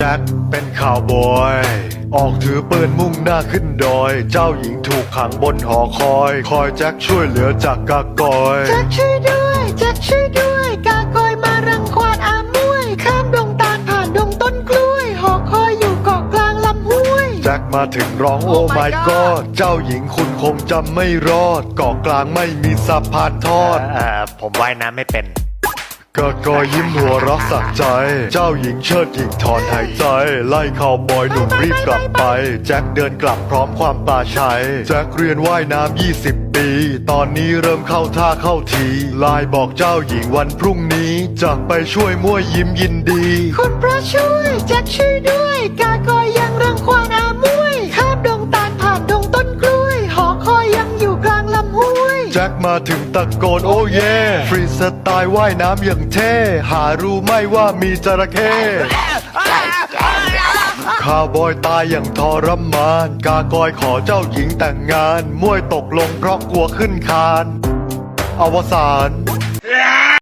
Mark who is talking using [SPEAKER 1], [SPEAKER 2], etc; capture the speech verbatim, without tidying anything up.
[SPEAKER 1] จ็คเป็นข่าวบอยออกถือปืนมุ่งหน้าขึ้นดอยเจ้าหญิงถูกขังบนหอคอยคอยแจ็คช่วยเหลือจากกากอย
[SPEAKER 2] แจ็คช่วยด้วยแจ็คช่วยด้วยกากอยมารังควานอามวยข้ามดงตาลผ่านดงต้นกล้วยหอคอยอยู่เกาะกลางลำห้วย
[SPEAKER 1] แจ็คมาถึงร้องโอ้
[SPEAKER 2] Oh
[SPEAKER 1] ไม่
[SPEAKER 2] my
[SPEAKER 1] กอ
[SPEAKER 2] God
[SPEAKER 1] ดเจ้าหญิงคุณคงจำไม่รอดเกาะกลางไม่มีสะพานทอด
[SPEAKER 3] เอ่อผมว่ายน้ำไม่เป็น
[SPEAKER 1] กะกอยิ้มหัวเรักสักใจ เจ้าหญิงเชิดหญิงถอนหายใจ ไล่ข่าวบอยหนุ่มรีบกลับไป แจ็คเดินกลับพร้อมความปลาชัย แจ็คเรียนว่ายน้ำยี่สิบปี ตอนนี้เริ่มเข้าท่าเข้าทีไลน์บอกเจ้าหญิงวันพรุ่งนี้จะไปช่วยมั่วยิ้มยินดี
[SPEAKER 2] คุณพระช่วยแจ็คช่วยด้วยกากอยยังรังควานอามวยข้ามดงตาลผ่านดงต้นกล้วยหอคอยยังอยู่กลางลำห้วย
[SPEAKER 1] แจ็คมาถึงตะโกนโอ้เย่ฟรีสไตล์ว่ายน้ำอย่างเท่หารู้ไหม่ว่ามีจระเข้ข้าวบอยตายอย่างทรมานกากอยขอเจ้าหญิงแต่งงานมวยตกลงเพราะกลัวขึ้นคานอวสาน